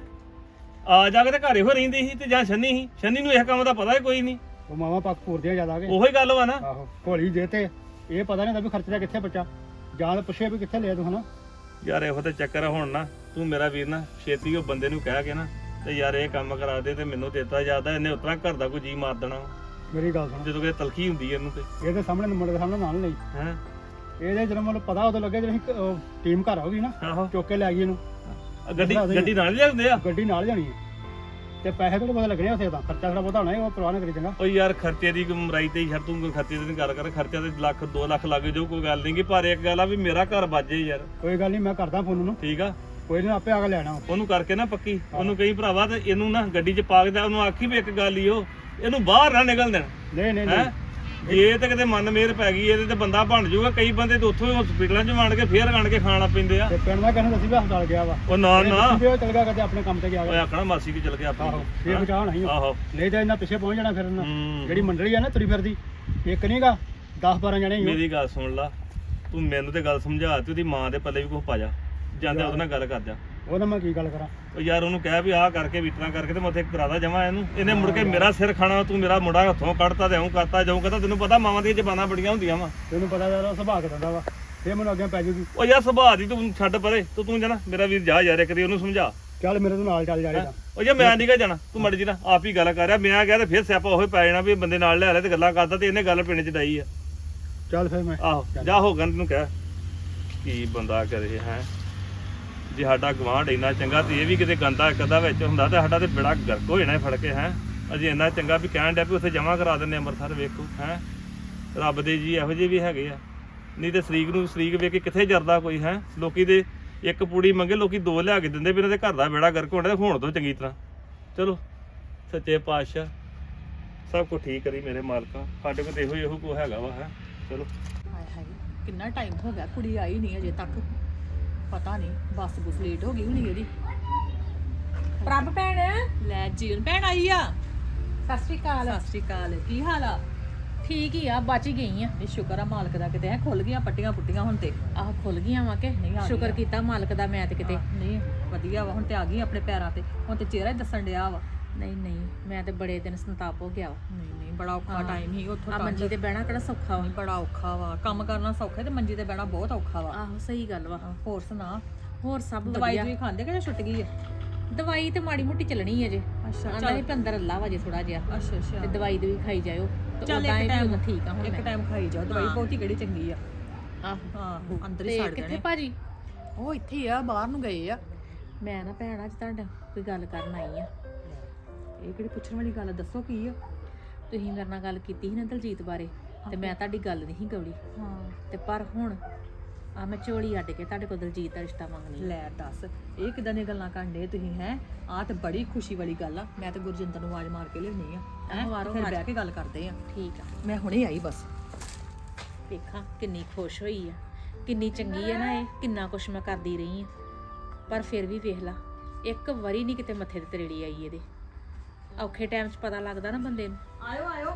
Speaker 3: ਆ ਜਾ ਕੇ ਤੇ ਘਰੇ ਹੋ ਰਹਿੰਦੀ ਸੀ ਤੇ ਜਾਂ ਸ਼ੰਨੀ ਸੀ, ਸ਼ੰਨੀ ਨੂੰ ਇਹ ਕੰਮ ਦਾ ਪਤਾ ਹੀ ਕੋਈ ਨਹੀਂ।
Speaker 2: ਉਹ ਮਾਵਾ ਪੱਕ ਪੂਰਦੀਆਂ ਜ਼ਿਆਦਾ ਕੇ।
Speaker 3: ਉਹੀ ਗੱਲ ਵਾ ਨਾ।
Speaker 2: ਆਹੋ ਘੋਲੀ ਜੇ ਤੇ ਇਹ ਪਤਾ ਨਹੀਂ ਹੁੰਦਾ ਵੀ ਖਰਚਦਾ ਕਿੱਥੇ ਬੱਚਾ, ਜਾਂ ਤਾਂ ਪੁੱਛੇ ਵੀ ਕਿੱਥੇ ਲਿਆ ਤੂੰ ਹਨਾ।
Speaker 3: ਯਾਰ ਇਹੋ ਤੇ ਚੱਕਰ ਆ ਹੁਣ ਨਾ, ਤੂੰ ਮੇਰਾ ਵੀਰ ਨਾ ਛੇਤੀ ਉਹ ਬੰਦੇ ਨੂੰ ਕਹਿ ਕੇ ਨਾ ਤੇ ਯਾਰ ਇਹ ਕੰਮ ਕਰਾ ਦੇ ਤੇ ਮੈਨੂੰ ਦਿੱਤਾ ਜਾਂਦਾ। ਇਹਨੇ ਉਤਰਾ ਘਰ ਦਾ ਕੋਈ ਜੀ ਮਾਰ ਦੇਣਾ
Speaker 2: ਮੇਰੀ ਗੱਲ ਸੁਣ,
Speaker 3: ਜਦੋਂ ਕਿ ਤਲਖੀ ਹੁੰਦੀ ਹੈ ਇਹਨੂੰ ਤੇ
Speaker 2: ਇਹਦੇ ਸਾਹਮਣੇ ਮੁੰਡੇ ਦੇ ਸਾਹਮਣੇ ਨਾਲ ਨਹੀਂ
Speaker 3: ਹੈ।
Speaker 2: ਇਹਦੇ ਜਦੋਂ ਮੈਨੂੰ ਪਤਾ ਉਦੋਂ ਲੱਗੇ ਜਦੋਂ ਅਸੀਂ ਟੀਮ ਘਰ ਆਉਗੀ ਨਾ
Speaker 3: ਆਹੋ
Speaker 2: ਚੁੱਕ ਕੇ ਲੈ ਗਈ ਇਹਨੂੰ।
Speaker 3: ਗੱਡੀ ਗੱਡੀ ਨਾਲ ਲਿਆਉਂਦੇ ਆ।
Speaker 2: ਗੱਡੀ ਨਾਲ ਜਾਣੀ ਹੈ ਤੇ ਪੈਸੇ ਥੋੜੇ ਬਹੁਤ ਲੱਗਣੇ ਉੱਥੇ ਤਾਂ, ਖਰਚਾ ਥੋੜਾ ਬਹੁਤਾ ਹੋਣਾ ਹੈ, ਉਹ ਪਰਵਾਹ ਨਾ ਕਰੀ ਚੰਗਾ।
Speaker 3: ਉਹ ਯਾਰ ਖਰਚੇ ਦੀ ਮਰਾਈ ਤੇ ਯਾਰ ਤੂੰ ਖਰਚੇ ਦੀ ਗੱਲ ਕਰ, ਖਰਚਾ ਤੇ ਲੱਖ 2 ਲੱਖ ਲੱਗ ਜਾਊ, ਕੋਈ ਗੱਲ ਨਹੀਂ ਗੀ। ਪਰ ਇੱਕ ਗੱਲ ਆ ਵੀ ਮੇਰਾ ਘਰ ਬਾਜੇ ਯਾਰ।
Speaker 2: ਕੋਈ ਗੱਲ ਨਹੀਂ, ਮੈਂ ਕਰਦਾ ਫੋਨ ਉਹਨੂੰ,
Speaker 3: ਠੀਕ ਆ,
Speaker 2: ਕੋਈ ਨਹੀਂ ਆਪੇ ਆ ਕੇ ਲੈਣਾ।
Speaker 3: ਉਹਨੂੰ ਕਰਕੇ ਨਾ ਪੱਕੀ, ਉਹਨੂੰ ਕਹੀ ਭਰਾਵਾ ਤੇ ਇਹਨੂੰ ਨਾ ਗੱਡੀ 'ਚ ਪਾ ਕੇ ਤੇ ਉਹਨੂੰ ਆਖੀ ਵੀ ਇੱਕ ਗੱਲ ਹੀ ਉਹ ਇਹਨੂੰ ਬਾਹਰ ਨਾ ਨਿਕਲ ਦੇਣ।
Speaker 2: ਨਹੀਂ ਨਹੀਂ
Speaker 3: ਹੈ ਜੇ ਤੇ ਕਿਤੇ ਮਨ ਮੇਰ ਪੈ ਗਈ ਇਹਦੇ ਤੇ ਬੰਦਾ ਬਣ ਜਾਊਗਾ। ਕਈ ਬੰਦੇ ਤੇ ਉੱਥੋਂ ਹੀ ਹਸਪੀਟਲਾਂ 'ਚ ਵੰਡ ਕੇ ਫੇਰ ਆਣ ਕੇ ਖਾਣਾ ਪੈਂਦੇ ਆ।
Speaker 2: ਤੇ ਪਿੰਡ ਦਾ ਕਹਿੰਦਾ ਦੱਸੀ ਵੀ ਹਸਪਤਾਲ ਗਿਆ ਵਾ,
Speaker 3: ਉਹ ਨਾ ਨਾ
Speaker 2: ਵੀ ਉਹ ਚਲ ਗਿਆ ਕਦੇ ਆਪਣੇ ਕੰਮ ਤੇ ਗਿਆ
Speaker 3: ਓਏ ਆਖਣਾ ਮਾਸੀ ਕੀ ਚਲ ਗਿਆ
Speaker 2: ਆਹੋ
Speaker 3: ਆਪਣੀ।
Speaker 2: ਇਹ ਬਚਾਉਣਾ ਹੀ
Speaker 3: ਆਹੋ
Speaker 2: ਨਹੀਂ ਤਾਂ ਇਹਨਾਂ ਪਿੱਛੇ ਪਹੁੰਚ ਜਾਣਾ ਫਿਰ ਇਹਨਾਂ।
Speaker 3: ਹੂੰ।
Speaker 2: ਜਿਹੜੀ ਮੰਡਲੀ ਆ ਨਾ ਤੁਰੀ ਫਿਰਦੀ, ਇੱਕ ਨਹੀਂਗਾ 10-12 ਜਣੇ ਹੀ
Speaker 3: ਮੇਰੀ ਗੱਲ ਸੁਣ ਲਾ, ਤੂੰ ਮੈਨੂੰ ਤੇ ਗੱਲ ਸਮਝਾ ਤੇ ਉਹਦੀ ਮਾਂ ਦੇ ਪੱਲੇ ਵੀ ਕੁਝ ਪਾ ਜਾ, ਜਾਂਦੇ ਉਹਦੇ ਨਾਲ ਗੱਲ ਕਰ ਜਾ।
Speaker 2: ਉਹਦਾ ਮੈਂ ਕੀ ਗੱਲ ਕਰਾਂ।
Speaker 3: ਉਹ ਯਾਰ ਉਹਨੂੰ ਕਹਿ ਵੀ ਆਹ ਕਰਕੇ ਵਿਤਰਾ ਕਰਕੇ ਤੇ ਮੈਂ ਉੱਥੇ ਕਰਾਦਾ ਜਮਾ ਇਹਨੂੰ। ਇਹਨੇ ਮੁੜ ਕੇ ਮੇਰਾ ਸਿਰ ਖਾਣਾ, ਤੂੰ ਮੇਰਾ ਮੁੰਡਾ ਹੱਥੋਂ ਕੱਢਤਾ ਤੇ ਐਉਂ ਕਰਤਾ ਜਾਊਂ ਕਰਤਾ। ਤੈਨੂੰ ਪਤਾ ਮਾਵਾਂ ਦੀਆਂ ਜ਼ਬਾਨਾਂ ਬੜੀਆਂ ਹੁੰਦੀਆਂ ਵਾ।
Speaker 2: ਤੈਨੂੰ ਪਤਾ ਯਾਰ ਸੁਭਾਅ ਕਿਦਾਂ ਦਾ ਵਾ, ਇਹ ਮੈਨੂੰ ਅੱਗੇ ਪੈ ਜੂਗੀ।
Speaker 3: ਉਹ ਯਾਰ ਸੁਭਾਅ ਦੀ ਤੂੰ ਛੱਡ ਪਰੇ, ਤੂੰ ਜਾਣਾ ਮੇਰਾ ਵੀਰ ਜਾ ਯਾਰ, ਇੱਕ ਦੀ ਉਹਨੂੰ ਸਮਝਾ।
Speaker 2: ਚੱਲ ਮੇਰੇ ਤੋਂ ਨਾਲ ਚੱਲ ਜਾਏਗਾ।
Speaker 3: ਉਹ ਜੇ ਮੈਂ ਨਹੀਂ ਗਾ ਜਾਣਾ, ਤੂੰ ਮੜ ਜੀ ਨਾ ਆਪ ਹੀ ਗੱਲ ਕਰ ਰਿਹਾ। ਮੈਂ ਕਿਹਾ ਤੇ ਫਿਰ ਸਿਆਪਾ ਉਹੀ ਪੈ ਜਾਣਾ ਵੀ ਬੰਦੇ ਨਾਲ ਲੈ ਰਿਹਾ ਤੇ ਗੱਲਾਂ ਕਰਦਾ ਤੇ ਇਹਨੇ ਗੱਲ ਪਿੰਡ 'ਚ ਡਾਈ ਆ।
Speaker 2: ਚੱਲ ਫਿਰ ਮੈਂ
Speaker 3: ਆਹੋ ਜਾ ਹੋ ਗੰਦ ਨੂੰ ਕਹਿ ਕੀ ਬੰਦਾ ਕਰੇ ਹੈ। ਜੇ ਸਾਡਾ ਗਵਾਂਢ ਇੰਨਾ ਚੰਗਾ ਤੇ ਇਹ ਵੀ ਕਿਤੇ ਗੰਦਾ ਇੱਕ ਅੱਧਾ ਵਿੱਚ ਹੁੰਦਾ ਤੇ ਸਾਡਾ ਤੇ ਬੜਾ ਗਰਕ ਹੋ ਜਾਣਾ ਫੜ ਕੇ ਹੈ। ਅਜੇ ਇੰਨਾ ਚੰਗਾ ਵੀ ਕਹਿਣ ਡਿਆ ਵੀ ਉੱਥੇ ਜਮ੍ਹਾਂ ਕਰਾ ਦਿੰਦੇ ਅੰਮ੍ਰਿਤਸਰ। ਵੇਖੋ ਹੈ ਰੱਬ ਦੇ ਜੀ ਇਹੋ ਜਿਹੇ ਵੀ ਹੈਗੇ ਆ, ਨਹੀਂ ਤੇ ਸ਼ਰੀਕ ਨੂੰ ਸ਼ਰੀਕ ਵੇਖ ਕੇ ਕਿੱਥੇ ਜਰਦਾ ਕੋਈ ਹੈ। ਲੋਕੀ ਦੇ ਇੱਕ ਪੂੜੀ ਮੰਗੇ ਲੋਕੀ 2 ਲਿਆ ਕੇ ਦਿੰਦੇ ਵੀ ਇਹਨਾਂ ਦੇ ਘਰ ਦਾ ਬੇੜਾ ਗਰਕ ਹੋਣਾ। ਹੋਣ ਤੋਂ ਚੰਗੀ ਤਰ੍ਹਾਂ ਚਲੋ ਸੱਚੇ ਪਾਤਸ਼ਾਹ ਸਭ ਕੁਝ ਠੀਕ ਕਰੀ ਮੇਰੇ ਮਾਲਕਾ। ਸਾਡੇ ਕੋਲ ਤੇ ਇਹੋ ਕੋ ਹੈਗਾ ਵਾ ਹੈ। ਚਲੋ
Speaker 1: ਹਾਏ ਹਾਏ ਕਿੰਨਾ ਟਾਈਮ ਹੋ ਗਿਆ, ਕੁੜੀ ਆਈ ਨਹੀਂ ਅਜੇ ਤੱਕ। ਪਤਾ ਨਹੀਂ ਬੱਸ ਬੁਸ ਲੇਟ ਹੋ ਗਈ ਹੋਣੀ ਇਹਦੀ।
Speaker 4: ਪ੍ਰਭ ਭੈਣ
Speaker 1: ਲੈ ਜੀਵਨ ਭੈਣ ਆਈ ਆ।
Speaker 4: ਸਤਿ ਸ਼੍ਰੀ ਅਕਾਲ।
Speaker 1: ਸਤਿ ਸ਼੍ਰੀ ਅਕਾਲ, ਕੀ ਹਾਲ ਆ?
Speaker 4: ਠੀਕ ਹੀ ਆ, ਬਚ ਹੀ ਗਈ ਆ।
Speaker 1: ਇਹ ਸ਼ੁਕਰ ਆ ਮਾਲਕ ਦਾ, ਕਿਤੇ ਖੁੱਲ ਗਈਆਂ ਪੱਟੀਆਂ ਪੁੱਟੀਆਂ ਹੁਣ ਤੇ।
Speaker 4: ਆਹ ਖੁੱਲ ਗਈਆਂ ਵਾ ਕਿ
Speaker 1: ਨਹੀਂ ਆ
Speaker 4: ਸ਼ੁਕਰ
Speaker 1: ਗਈਆਂ।
Speaker 4: ਕੀਤਾ ਮਾਲਕ ਦਾ। ਮੈਂ ਤੇ ਕਿਤੇ
Speaker 1: ਨਹੀਂ ਵਧੀਆ ਵਾ, ਹੁਣ ਤੇ ਆ ਗਈ ਆਪਣੇ ਪੈਰਾਂ ਤੇ। ਹੁਣ ਤੇ ਚਿਹਰਾ ਹੀ ਦੱਸਣ ਡਿਆ ਵਾ।
Speaker 4: ਨਹੀਂ ਨਹੀਂ, ਮੈਂ ਤੇ ਬੜੇ ਦਿਨ ਸੰਤਾਪ ਹੋ ਗਿਆ ਵਾ।
Speaker 1: ਨਹੀਂ ਬੜਾ ਔਖਾ
Speaker 4: ਹਾਂ।
Speaker 1: ਟਾਈਮ ਹੀ ਉੱਥੋਂ
Speaker 4: ਆ
Speaker 1: ਤੱਕ।
Speaker 4: ਮੰਜੀ ਤੇ ਬਹਿਣਾ ਕਿਹੜਾ ਸੌਖਾ ਵਾ।
Speaker 1: ਨਹੀਂ ਬੜਾ ਔਖਾ ਵਾ, ਕੰਮ ਕਰਨਾ ਸੌਖਾ ਤੇ ਮੰਜੀ ਤੇ ਬਹਿਣਾ ਬਹੁਤ ਔਖਾ ਵਾ।
Speaker 4: ਆਹੋ ਸਹੀ ਗੱਲ ਵਾ।
Speaker 1: ਹੋਰ ਸੁਣਾ,
Speaker 4: ਹੋਰ ਸਭ
Speaker 1: ਦਵਾਈ
Speaker 4: ਵਧੀਆ।
Speaker 1: ਦੂਈ ਖਾਂਦੇ ਕਿ ਜਾਂ ਛੁੱਟ ਗਈ ਆ?
Speaker 4: ਦਵਾਈ ਤੇ ਮਾੜੀ ਮੋਟੀ ਚੱਲਣੀ ਅਜੇ।
Speaker 1: ਅੱਛਾ
Speaker 4: ਆਂਦਾ ਸੀ ਵੀ ਅੰਦਰ ਅੱਲਾ ਵਾ ਜੇ ਥੋੜਾ ਜਿਹਾ,
Speaker 1: ਅੱਛਾ
Speaker 4: ਤੇ
Speaker 1: ਅੱਛਾ
Speaker 4: ਦਵਾਈ ਦੂਈ ਖਾਈ ਜਾਇਓ ਤੇ
Speaker 1: ਚੱਲ
Speaker 4: ਉਦਾਂ
Speaker 1: ਇੱਕ
Speaker 4: ਇਹ ਵੀ
Speaker 1: ਟਾਈਮ
Speaker 4: ਹੁਣ ਠੀਕ ਆ ਹੁਣ
Speaker 1: ਇੱਕ
Speaker 4: ਮੈਂ।
Speaker 1: ਟਾਈਮ ਖਾਈ ਜਾਓ ਦਵਾਈ,
Speaker 4: ਹਾਂ।
Speaker 1: ਬਹੁਤੀ ਕਿਹੜੀ ਚੰਗੀ ਆ।
Speaker 4: ਆਹੋ
Speaker 1: ਹਾਂ ਅੰਦਰ ਹੀ
Speaker 4: ਤੇ
Speaker 1: ਛੱਡ
Speaker 4: ਕਿੱਥੇ
Speaker 1: ਦੇਣੇ।
Speaker 4: ਭਾਜੀ?
Speaker 1: ਉਹ ਇੱਥੇ ਹੀ ਆ, ਬਾਹਰ ਨੂੰ ਗਏ ਆ।
Speaker 4: ਮੈਂ ਨਾ ਭੈਣ ਅੱਜ ਤੁਹਾਡਾ ਕੋਈ ਗੱਲ ਕਰਨ ਆਈ ਆ।
Speaker 1: ਇਹ ਕਿਹੜੀ ਪੁੱਛਣ ਵਾਲੀ ਗੱਲ ਆ, ਦੱਸੋ ਕੀ ਆ?
Speaker 4: ਤੁਸੀਂ ਮੇਰੇ ਨਾਲ ਗੱਲ ਕੀਤੀ ਸੀ ਨਾ ਦਲਜੀਤ ਬਾਰੇ, ਤੇ ਮੈਂ ਤੁਹਾਡੀ ਗੱਲ ਨਹੀਂ ਗੌਲੀ।
Speaker 1: ਹਾਂ
Speaker 4: ਤੇ ਪਰ ਹੁਣ ਆ ਮੈਂ ਝੋਲੀ ਅੱਡ ਕੇ ਤੁਹਾਡੇ ਕੋਲ ਦਲਜੀਤ ਦਾ ਰਿਸ਼ਤਾ ਮੰਗਣੀ।
Speaker 1: ਲੈ ਦੱਸ, ਇਹ ਕਿਦਾਂ ਦੀਆਂ ਗੱਲਾਂ ਕਰਦੇ ਤੁਸੀਂ ਹੈ? ਆਹ ਤੇ ਬੜੀ ਖੁਸ਼ੀ ਵਾਲੀ ਗੱਲ ਆ। ਮੈਂ ਤੇ ਗੁਰਜਿੰਦਰ ਨੂੰ ਆਵਾਜ਼ ਮਾਰ ਕੇ ਲਿਆਉਣੀ ਆ। ਹੈਂ?
Speaker 4: ਵਾਰੋ
Speaker 1: ਫਿਰ
Speaker 4: ਵਾਰ।
Speaker 1: ਬਹਿ ਕੇ ਗੱਲ ਕਰਦੇ ਆ।
Speaker 4: ਠੀਕ ਆ,
Speaker 1: ਮੈਂ ਹੁਣੇ ਆਈ ਬਸ।
Speaker 4: ਵੇਖਾਂ ਕਿੰਨੀ ਖੁਸ਼ ਹੋਈ ਆ, ਕਿੰਨੀ ਚੰਗੀ ਆ ਨਾ ਇਹ। ਕਿੰਨਾ ਕੁਛ ਮੈਂ ਕਰਦੀ ਰਹੀ ਆ, ਪਰ ਫਿਰ ਵੀ ਵੇਖ ਲਾ, ਇੱਕ ਵਾਰੀ ਨਹੀਂ ਕਿਤੇ ਮੱਥੇ ਤੇ ਤਰੇੜੀ ਆਈ ਇਹਦੇ। ਔਖੇ ਟਾਈਮ 'ਚ ਪਤਾ ਲੱਗਦਾ ਨਾ ਬੰਦੇ ਨੂੰ।
Speaker 1: ਆਇਓ ਆਇਓ।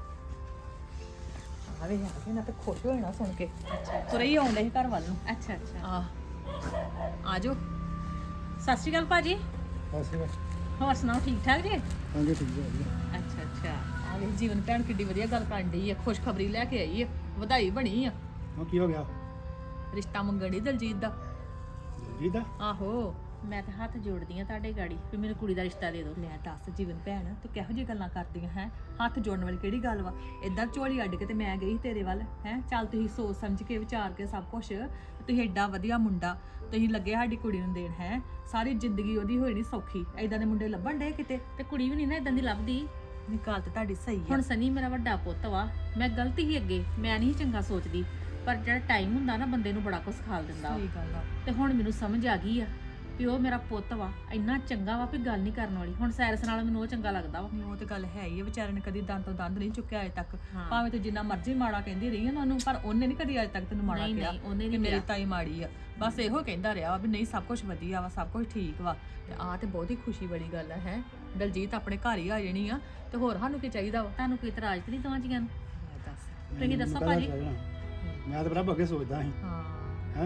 Speaker 1: ਆਵੇ ਆ ਕੇ ਨਾ ਤੇ ਖੁਸ਼ ਹੋ ਜਾਣਾ ਸੁਣ ਕੇ। ਤੁਰੇ ਹੀ ਆਉਂਦੇ ਸੀ ਘਰ ਵੱਲ ਨੂੰ।
Speaker 4: ਅੱਛਾ ਅੱਛਾ,
Speaker 1: ਆ ਆਜੋ।
Speaker 4: ਸਤਿ ਸ਼੍ਰੀ ਅਕਾਲ ਭਾਜੀ।
Speaker 2: ਬਸ
Speaker 4: ਹੋਰ ਸੁਣਾਓ, ਠੀਕ ਠਾਕ ਜੀ?
Speaker 2: ਹਾਂਜੀ ਠੀਕ ਹੈ।
Speaker 4: ਅੱਛਾ ਅੱਛਾ,
Speaker 1: ਆ ਵੇ ਜੀਵਨ ਭੈਣ ਕਿੱਡੀ ਵਧੀਆ ਗੱਲ ਕਰਨ ਡਈ ਆ, ਖੁਸ਼ਖਬਰੀ ਲੈ ਕੇ ਆਈ ਆ, ਵਧਾਈ ਬਣੀ ਆ।
Speaker 2: ਹੁਣ ਕੀ ਹੋ ਗਿਆ
Speaker 1: ਰਿਸ਼ਤਾ ਮੰਗਣ ਡਈ ਦਲਜੀਤ ਦਾ।
Speaker 2: ਜੀ ਦਾ?
Speaker 1: ਆਹੋ
Speaker 4: ਮੈਂ ਤਾਂ ਹੱਥ ਜੋੜਦੀ ਆ ਤੁਹਾਡੇ ਗਾੜੀ ਵੀ ਮੈਨੂੰ ਕੁੜੀ ਦਾ ਰਿਸ਼ਤਾ ਦੇ ਦਿਓ।
Speaker 1: ਲੈ ਦੱਸ ਜੀਵਨ ਭੈਣ ਤੂੰ ਕਿਹੋ ਜਿਹੀ ਗੱਲਾਂ ਕਰਦੀਆਂ ਹੈ? ਹੱਥ ਜੋੜਨ ਵਾਲੀ ਕਿਹੜੀ ਗੱਲ ਵਾ? ਏਦਾਂ ਝੋਲੀ ਅੱਡ ਕੇ ਤੇ ਮੈਂ ਗਈ ਸੀ ਤੇਰੇ ਵੱਲ ਹੈ। ਚੱਲ ਤੁਸੀਂ ਸੋਚ ਸਮਝ ਕੇ ਵਿਚਾਰ ਕੇ ਸਭ ਕੁਝ, ਤੁਸੀਂ ਏਡਾ ਵਧੀਆ ਮੁੰਡਾ ਤੁਸੀਂ ਲੱਗੇ ਸਾਡੀ ਕੁੜੀ ਨੂੰ ਦੇਣ ਹੈ। ਸਾਰੀ ਜ਼ਿੰਦਗੀ ਉਹਦੀ ਹੋਈ ਨਹੀਂ ਸੌਖੀ। ਏਦਾਂ ਦੇ ਮੁੰਡੇ ਲੱਭਣ ਡੇ ਕਿਤੇ।
Speaker 4: ਤੇ ਕੁੜੀ ਵੀ ਨਹੀਂ ਨਾ ਇਦਾਂ ਦੀ ਲੱਭਦੀ।
Speaker 1: ਨਹੀਂ ਗੱਲ ਤੇ ਤੁਹਾਡੀ ਸਹੀ
Speaker 4: ਹੁਣ
Speaker 1: ਹੈ।
Speaker 4: ਸਨੀ ਮੇਰਾ ਵੱਡਾ ਪੁੱਤ ਵਾ, ਮੈਂ ਗਲਤੀ ਹੀ ਅੱਗੇ ਮੈਂ ਨਹੀਂ ਚੰਗਾ ਸੋਚਦੀ, ਪਰ ਜਿਹੜਾ ਟਾਈਮ ਹੁੰਦਾ ਨਾ ਬੰਦੇ ਨੂੰ ਬੜਾ ਕੁਝ ਸਿਖਾ ਦਿੰਦਾ ਵਾ।
Speaker 1: ਸਹੀ ਗੱਲ ਆ।
Speaker 4: ਤੇ ਹੁਣ ਮੈਨੂੰ ਸਮਝ ਆ ਗਈ ਆ ਵੀ ਉਹ ਮੇਰਾ ਪੁੱਤ ਵਾ, ਇੰਨਾ ਚੰਗਾ ਵਾ ਵੀ ਗੱਲ ਨਹੀਂ ਕਰਨ ਵਾਲੀ। ਹੁਣ ਸੈਰਸ ਨਾਲ ਮੈਨੂੰ ਉਹ ਚੰਗਾ ਲੱਗਦਾ ਵਾ।
Speaker 1: ਨਹੀਂ, ਉਹ ਤੇ ਗੱਲ ਹੈ ਹੀ ਆ। ਵਿਚਾਰੇ ਨੇ ਕਦੀ ਦੰਦ ਤੋਂ ਦੰਦ ਨਹੀਂ ਚੁੱਕਿਆ ਅਜੇ ਤੱਕ।
Speaker 4: ਹਾਂ।
Speaker 1: ਭਾਵੇਂ ਤੂੰ ਜਿੰਨਾ ਮਰਜ਼ੀ ਮਾੜਾ ਕਹਿੰਦੀ ਰਹੀ ਆ ਨਾ ਉਹਨੂੰ, ਪਰ ਉਹਨੇ ਨਹੀਂ ਕਦੀ ਅਜੇ ਤੱਕ ਤੈਨੂੰ ਮਾੜਾ
Speaker 4: ਨਹੀਂ,
Speaker 1: ਕਿਹਾ
Speaker 4: ਨਹੀਂ, ਉਹਨੇ
Speaker 1: ਕਿ
Speaker 4: ਨਹੀਂ
Speaker 1: ਮੇਰੀ
Speaker 4: ਕਿਹਾ।
Speaker 1: ਤਾਈ ਮਾੜੀ ਆ। ਬਸ ਇਹੋ ਕਹਿੰਦਾ ਰਿਹਾ ਵੀ ਨਹੀਂ ਸਭ ਕੁਝ ਵਧੀਆ ਵਾ, ਸਭ ਕੁਝ ਠੀਕ ਵਾ। ਤੇ ਆਹ ਤੇ ਬਹੁਤ ਹੀ ਖੁਸ਼ੀ ਵਾਲੀ ਗੱਲ ਹੈ। ਦਲਜੀਤ ਆਪਣੇ ਘਰ ਹੀ ਆ ਜਾਣੀ ਆ ਤੇ ਹੋਰ ਸਾਨੂੰ ਕੀ ਚਾਹੀਦਾ ਵਾ?
Speaker 4: ਤੁਹਾਨੂੰ ਕੋਈ ਇਤਰਾਜ਼ ਤੇ ਨਹੀਂ ਦੋਵਾਂ ਜੀਆਂ ਨੂੰ?
Speaker 1: ਦੱਸ।
Speaker 4: ਤੁਸੀਂ ਦੱਸੋ ਭਾਜੀ।
Speaker 2: ਮੈਂ ਤਾਂ ਬੜਾ ਅੱਗੇ ਸੋਚਦਾ ਸੀ
Speaker 1: ਹਾਂ
Speaker 2: ਹੈ,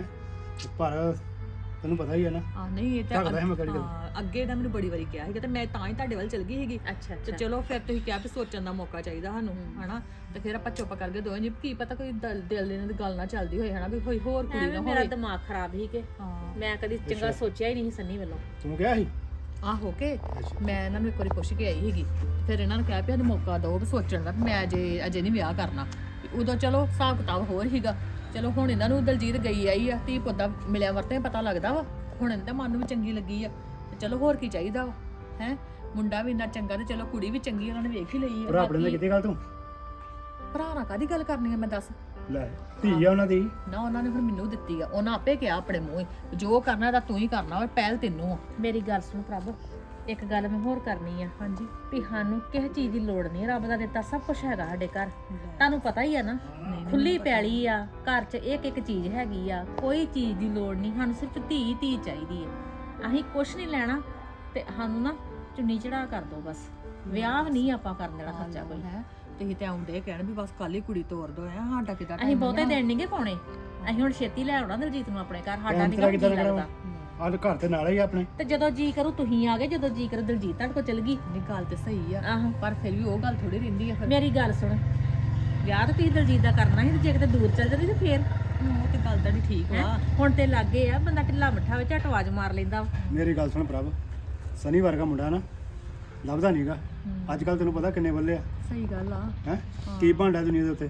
Speaker 2: ਪਰ ਤੈਨੂੰ ਪਤਾ ਹੀ ਹੈ ਨਾ।
Speaker 1: ਆ ਨਹੀਂ ਇਹ
Speaker 2: ਝੱਕਦਾ ਸੀ ਮੈਂ ਕਿਹੜੀ ਗੱਲ।
Speaker 1: ਹਾਂ, ਅੱਗੇ ਤਾਂ ਮੈਨੂੰ ਬੜੀ ਵਾਰੀ ਕਿਹਾ ਸੀਗਾ ਤੇ ਮੈਂ ਤਾਂ ਹੀ ਤੁਹਾਡੇ ਵੱਲ ਚਲ ਗਈ ਸੀਗੀ।
Speaker 4: ਅੱਛਾ
Speaker 1: ਤੇ ਚਲੋ ਫਿਰ ਤੁਸੀਂ ਕਿਹਾ ਵੀ ਸੋਚਣ ਦਾ ਮੌਕਾ ਚਾਹੀਦਾ ਸਾਨੂੰ ਹਨਾ। ਤੇ ਫਿਰ ਆਪਾਂ ਚੁੱਪ ਕਰਕੇ ਦੋਵੇਂ ਜੀ ਕੀ ਪਤਾ ਕੋਈ ਦਿਲ ਦੇ ਨਾਲ ਗੱਲ ਨਾ ਚੱਲਦੀ ਹੋਏ ਹਨਾ, ਵੀ ਕੋਈ ਹੋਰ ਕੁੜੀ ਨਾ
Speaker 4: ਮੇਰਾ
Speaker 1: ਹੋਵੇ।
Speaker 4: ਦਿਮਾਗ ਖਰਾਬ ਹੀ ਕਿ
Speaker 1: ਹਾਂ
Speaker 4: ਮੈਂ ਕਦੀ ਚੰਗਾ ਸੋਚਿਆ ਹੀ ਨਹੀਂ ਸੀ ਸੰਨੀ ਵੱਲੋਂ।
Speaker 2: ਤੂੰ ਕਿਹਾ ਸੀ
Speaker 1: ਆ ਹੋ ਕੇ ਮੈਂ ਇਹਨਾਂ ਨੂੰ ਇੱਕ ਵਾਰੀ ਪੁੱਛ ਕੇ ਆਈ ਸੀਗੀ। ਫਿਰ ਇਹਨਾਂ ਨੂੰ ਕਿਹਾ ਵੀ ਸਾਨੂੰ ਮੌਕਾ ਦਿਓ ਵੀ ਸੋਚਣ ਦਾ, ਵੀ ਮੈਂ ਅਜੇ ਨਹੀਂ ਵਿਆਹ ਕਰਨਾ। ਵੀ ਉਦੋਂ ਚਲੋ ਹਿਸਾਬ ਕਿਤਾਬ ਹੋਰ ਸੀਗਾ। ਚਲੋ ਹੁਣ ਇਹਨਾਂ ਨੂੰ ਦਲਜੀਤ ਗਈ ਆਈ ਆ, ਧੀ ਪੁੱਤ ਦਾ ਮਿਲਿਆ ਵਰਤਿਆ ਪਤਾ ਲੱਗਦਾ ਵਾ। ਹੁਣ ਇਹਨਾਂ ਦੇ ਮਨ ਨੂੰ ਵੀ ਚੰਗੀ ਲੱਗੀ ਆ ਤੇ ਚਲੋ ਹੋਰ ਕੀ ਚਾਹੀਦਾ ਵਾ ਹੈ। ਮੁੰਡਾ ਵੀ ਇੰਨਾ ਚੰਗਾ ਤੇ ਚਲੋ ਕੁੜੀ ਵੀ ਚੰਗੀ, ਉਹਨਾਂ ਨੇ ਵੇਖ ਹੀ ਲਈ
Speaker 2: ਭਰਾ
Speaker 1: ਆ।
Speaker 2: ਆਪਣੇ ਨਾਲ ਕਿਤੇ ਗੱਲ ਤੂੰ
Speaker 1: ਭਰਾ ਨਾਲ ਕਾਹਦੀ ਗੱਲ ਕਰਨੀ ਆ ਮੈਂ ਦੱਸ।
Speaker 2: ਲੈ ਧੀ ਆ ਉਹਨਾਂ ਦੀ।
Speaker 1: ਨਾ ਉਹਨਾਂ ਨੇ ਫਿਰ ਮੈਨੂੰ ਦਿੱਤੀ ਆ, ਉਹਨਾਂ ਆਪੇ ਕਿਹਾ ਆਪਣੇ ਮੂੰਹ ਹੀ ਵੀ ਜੋ ਕਰਨਾ ਤਾਂ ਤੂੰ ਹੀ ਕਰਨਾ ਵਾ, ਪਹਿਲ ਤੈਨੂੰ ਆ।
Speaker 4: ਮੇਰੀ ਗੱਲ ਸੁਣ ਪ੍ਰਭ, ਇੱਕ ਗੱਲ ਮੈਂ ਹੋਰ ਕਰਨੀ ਆ।
Speaker 1: ਹਾਂਜੀ
Speaker 4: ਵੀ ਸਾਨੂੰ ਕਿਸੇ ਚੀਜ਼ ਦੀ ਲੋੜ ਨਹੀਂ, ਰੱਬ ਦਾ ਦਿੱਤਾ ਸਭ ਕੁਝ ਹੈਗਾ ਸਾਡੇ ਘਰ। ਤੁਹਾਨੂੰ ਪਤਾ ਹੀ ਆ ਨਾ, ਖੁੱਲੀ ਪੈਲੀ ਆ, ਘਰ 'ਚ ਇੱਕ ਇੱਕ ਚੀਜ਼ ਹੈਗੀ ਆ, ਕੋਈ ਚੀਜ਼ ਦੀ ਲੋੜ ਨਹੀਂ। ਸਾਨੂੰ ਸਿਰਫ ਧੀ ਚਾਹੀਦੀ ਆ। ਅਸੀਂ ਕੁਛ ਨਹੀਂ ਲੈਣਾ ਤੇ ਸਾਨੂੰ ਨਾ ਚੁੰਨੀ ਚੜਾ ਕਰ ਦੋ ਬਸ। ਵਿਆਹ ਵੀ ਨਹੀਂ ਆਪਾਂ ਕਰਨ ਦੇਣਾ ਖਰਚਾ ਕੋਈ।
Speaker 1: ਹੈ ਤੁਸੀਂ ਤੇ ਆਉਂਦੇ ਕਹਿਣ ਵੀ ਬਸ ਕੱਲ ਹੀ ਕੁੜੀ ਤੋਰ ਦੋ ਹੈ। ਸਾਡਾ ਕਿਦਾਂ
Speaker 4: ਅਸੀਂ ਬਹੁਤੇ ਦਿਨ ਨਹੀਂਗੇ ਪਾਉਣੇ। ਅਸੀਂ ਹੁਣ ਛੇਤੀ ਲੈ ਆਉਣਾ ਦਲਜੀਤ ਨੂੰ ਆਪਣੇ ਘਰ। ਸਾਡਾ ਨਹੀਂ ਜੀ ਲੱਗਦਾ।
Speaker 2: ਆਹ ਘਰ ਤੇ ਨਾਲ ਹੀ ਆ ਆਪਣੇ।
Speaker 4: ਤੇ ਜਦੋਂ ਜੀ ਕਰੂ ਤੁਸੀਂ ਆ ਗਏ, ਜਦੋਂ ਜੀ ਕਰੂ ਦਲਜੀਤ ਤੁਹਾਡੇ ਕੋਲ ਚਲ ਗਈ।
Speaker 1: ਨਹੀਂ ਗੱਲ ਤੇ ਸਹੀ ਆ,
Speaker 4: ਆਹੋ
Speaker 1: ਪਰ ਫਿਰ ਵੀ ਉਹ ਗੱਲ ਥੋੜੀ ਰਹਿੰਦੀ ਆ। ਫਿਰ
Speaker 4: ਮੇਰੀ ਗੱਲ ਸੁਣ, ਵਿਆਹ ਤਾਂ ਤੁਸੀਂ ਦਲਜੀਤ ਦਾ ਕਰਨਾ ਸੀ ਤੇ ਜੇ ਕਿਤੇ ਦੂਰ ਚੱਲ ਜਾਂਦੀ ਤੇ ਫੇਰ
Speaker 1: ਉਹ ਤੇ ਗੱਲ ਤੁਹਾਡੀ ਠੀਕ
Speaker 4: ਹੈਂ?
Speaker 1: ਵਾ।
Speaker 4: ਹੁਣ ਤੇ ਲੱਗੇ ਆ, ਬੰਦਾ ਢਿੱਲਾ ਮੱਠਾ ਵਿੱਚ ਝਟਵਾਜ ਮਾਰ ਲੈਂਦਾ ਵਾ।
Speaker 2: ਮੇਰੀ ਗੱਲ ਸੁਣ ਪ੍ਰਭ, ਸਨੀ ਵਰਗਾ ਮੁੰਡਾ ਨਾ ਲੱਭਦਾ ਨਹੀਂਗਾ ਅੱਜ ਕੱਲ। ਤੈਨੂੰ ਪਤਾ ਕਿੰਨੇ ਬੱਲੇ ਆ
Speaker 1: ਸਹੀ ਗੱਲ ਆ।
Speaker 2: ਹੈ, ਕੀ ਭਾਂਡਾ ਦੁਨੀਆ ਦੇ ਉੱਤੇ।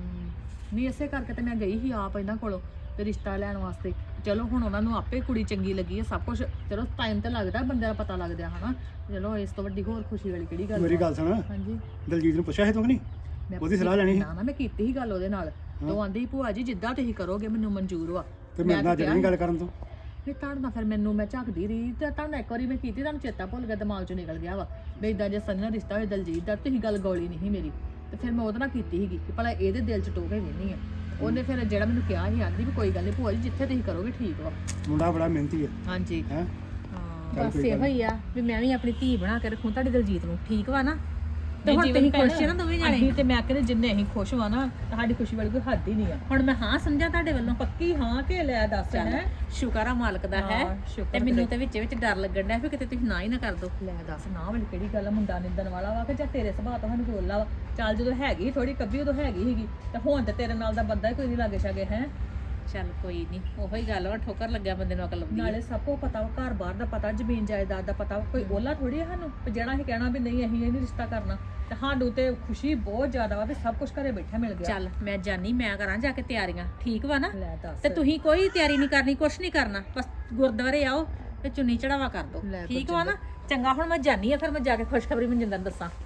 Speaker 1: ਨਹੀਂ ਇਸੇ ਕਰਕੇ ਤੇ ਮੈਂ ਗਈ ਸੀ ਆਪ ਇਹਨਾਂ ਕੋਲੋਂ ਤੇ ਰਿਸ਼ਤਾ ਲੈਣ ਵਾਸਤੇ। ਚਲੋ ਹੁਣ ਉਹਨਾਂ ਨੂੰ ਆਪੇ ਕੁੜੀ ਚੰਗੀ ਲੱਗੀ ਆ, ਸਭ ਕੁਝ ਚਲੋ ਟਾਈਮ ਤੇ ਲੱਗਦਾ, ਬੰਦੇ ਦਾ ਪਤਾ ਲੱਗਦਾ ਹਨਾ। ਚਲੋ ਇਸ ਤੋਂ ਵੱਡੀ ਹੋਰ ਖੁਸ਼ੀ ਵਾਲੀ ਕਿਹੜੀ ਗੱਲ
Speaker 2: ਮੇਰੀ
Speaker 1: ਵਾ?
Speaker 2: ਗੱਲ ਸੁਣ,
Speaker 1: ਹਾਂਜੀ
Speaker 2: ਦਲਜੀਤ ਨੂੰ ਪੁੱਛਿਆ ਸੀ ਤੂੰ ਕਿ ਨਹੀਂ?
Speaker 1: ਮੈਂ
Speaker 2: ਉਹਦੀ ਸਲਾਹ ਲੈਣੀ ਸੀ।
Speaker 1: ਨਾ ਮੈਂ ਕੀਤੀ ਸੀ ਗੱਲ ਉਹਦੇ ਨਾਲ। ਤੇ ਉਹ ਆਂਦੀ ਭੂਆ ਜੀ ਜਿੱਦਾਂ ਤੁਸੀਂ ਕਰੋਗੇ ਮੈਨੂੰ ਮਨਜ਼ੂਰ ਵਾ।
Speaker 2: ਤੇ ਮੇਰੇ ਨਾਲ ਜਿਹੜੀ ਗੱਲ ਕਰਨ ਤੋਂ
Speaker 1: ਨਹੀਂ ਤੁਹਾਡਾ ਫਿਰ ਮੈਨੂੰ ਮੈਂ ਝੱਕਦੀ ਰਹੀ ਤੇ ਤੁਹਾਨੂੰ ਇੱਕ ਵਾਰੀ ਮੈਂ ਕੀਤੀ, ਤੁਹਾਨੂੰ ਚੇਤਾ ਭੁੱਲ ਗਿਆ, ਦਿਮਾਗ ਚੋਂ ਨਿਕਲ ਗਿਆ ਵਾ ਵੀ ਇਦਾਂ ਜੇ ਸਨੀ ਨਾਲ ਰਿਸ਼ਤਾ ਹੋਏ ਦਲਜੀਤ ਦਾ। ਤੁਸੀਂ ਗੱਲ ਗੋਲੀ ਨਹੀਂ ਸੀ ਮੇਰੀ ਤੇ ਫਿਰ ਮੈਂ ਉਹਦੇ ਨਾਲ ਕੀਤੀ ਸੀਗੀ ਕਿ ਭਲਾ ਇਹਦੇ ਦਿਲ 'ਚ ਟੋਕੇ ਵੇਹਨੀ ਆ। ਉਹਨੇ ਫਿਰ ਜਿਹੜਾ ਮੈਨੂੰ ਕਿਹਾ ਸੀ ਆਂਦੀ ਵੀ ਕੋਈ ਗੱਲ ਨਹੀਂ ਭੂਆ ਜੀ ਜਿੱਥੇ ਤੁਸੀਂ ਕਰੋਗੇ ਠੀਕ ਵਾ।
Speaker 2: ਮੁੰਡਾ ਬੜਾ ਮਿਹਨਤੀ ਹੈ
Speaker 1: ਹਾਂਜੀ
Speaker 2: ਹੈ।
Speaker 1: ਹਾਂ
Speaker 4: ਬਸ ਇਹੋ ਹੀ ਆ ਵੀ ਮੈਂ ਵੀ ਆਪਣੀ ਧੀ ਬਣਾ ਕੇ ਰੱਖੂੰ ਤੁਹਾਡੇ ਦਲਜੀਤ ਨੂੰ, ਠੀਕ ਵਾ ਨਾ? ਤੇ ਹੁਣ ਤੁਸੀਂ ਖੁਸ਼ ਹੋ ਨਾ ਦੋਵੇਂ ਜਾਣੇ?
Speaker 1: ਅਸੀਂ ਤੇ ਮੈਂ ਕਹਿੰਦੇ ਜਿੰਨੇ ਅਸੀਂ ਖੁਸ਼ ਵਾ ਨਾ, ਸਾਡੀ ਖੁਸ਼ੀ ਵਾਲੀ ਕੋਈ ਹੱਦ ਹੀ ਨਹੀਂ ਆ।
Speaker 4: ਹੁਣ ਮੈਂ ਹਾਂ ਸਮਝਾਂ ਤੁਹਾਡੇ ਵੱਲੋਂ?
Speaker 1: ਪੱਕੀ ਹਾਂ ਕਿ ਲੈ ਦੱਸ ਹੈ।
Speaker 4: ਸ਼ੁਕਰ ਆ ਮਾਲਕ ਦਾ ਹੈ।
Speaker 1: ਹਾਂ, ਸ਼ੁਕਰ
Speaker 4: ਤੇ ਮੈਨੂੰ ਤੇ ਵਿੱਚ ਡਰ ਲੱਗਣ ਡਿਆ ਵੀ ਕਿਤੇ ਤੁਸੀਂ ਨਾ ਹੀ ਨਾ ਕਰ ਦੋ।
Speaker 1: ਲੈ ਦੱਸ ਨਾ ਵਾਲੀ ਕਿਹੜੀ ਗੱਲ ਆ? ਮੁੰਡਾ ਨਿੰਦਣ ਵਾਲਾ ਵਾ ਕਿ ਜਾਂ ਤੇਰੇ ਸੁਭਾਅ ਤੋਂ ਸਾਨੂੰ ਬੋਲਦਾ ਵਾ? ਚੱਲ ਜਦੋਂ ਹੈਗੀ ਥੋੜੀ ਕੱਬੀ ਉਦੋਂ ਹੈਗੀ ਸੀਗੀ ਤੇ ਹੁਣ ਤੇ ਤੇਰੇ ਨਾਲ ਦਾ ਬੰਦਾ ਹੀ ਕੋਈ ਨਹੀਂ ਲਾਗੇ ਛਾਗੇ ਹੈ।
Speaker 4: ਚੱਲ ਕੋਈ ਨਹੀਂ, ਉਹੀ ਗੱਲ ਵਾ, ਠੋਕਰ ਲੱਗਿਆ ਬੰਦੇ ਨੂੰ ਅਕਲ ਆਉਂਦੀ
Speaker 1: ਨਾਲੇ ਸਭ ਕੋ ਪਤਾ ਵਾ, ਘਰ ਬਾਹਰ ਦਾ ਪਤਾ, ਜ਼ਮੀਨ ਜਾਇਦਾਦ ਦਾ ਪਤਾ ਵਾ। ਕੋਈ ਓਲਾ ਥੋੜੀ ਆ ਸਾਨੂੰ ਵੀ ਜਿਹੜਾ ਅਸੀਂ ਕਹਿਣਾ ਵੀ ਨਹੀਂ ਅਸੀਂ ਇਹ ਨਹੀਂ ਰਿਸ਼ਤਾ ਕਰਨਾ। ਤੇ ਸਾਨੂੰ ਤੇ ਖੁਸ਼ੀ ਬਹੁਤ ਜ਼ਿਆਦਾ ਵਾ ਵੀ ਸਭ ਕੁਝ ਘਰੇ ਬੈਠਾ ਮਿਲ ਗਿਆ।
Speaker 4: ਚੱਲ ਮੈਂ ਜਾਨੀ, ਮੈਂ ਕਰਾਂ ਜਾ ਕੇ ਤਿਆਰੀਆਂ, ਠੀਕ ਵਾ ਨਾ?
Speaker 1: ਲੈ ਦੱਸ।
Speaker 4: ਤੇ ਤੁਸੀਂ ਕੋਈ ਤਿਆਰੀ ਨਹੀਂ ਕਰਨੀ, ਕੁਛ ਨਹੀਂ ਕਰਨਾ, ਬਸ ਗੁਰਦੁਆਰੇ ਆਓ ਤੇ ਚੁੰਨੀ ਚੜਾਵਾ ਕਰ ਦੋ,
Speaker 1: ਲੈ
Speaker 4: ਠੀਕ ਵਾ ਨਾ? ਚੰਗਾ ਹੁਣ ਮੈਂ ਜਾਨੀ ਆ, ਫਿਰ ਮੈਂ ਜਾ ਕੇ ਖੁਸ਼ਖਬਰੀ ਮਨਜਿੰਦਰ ਨੂੰ ਦੱਸਾਂ।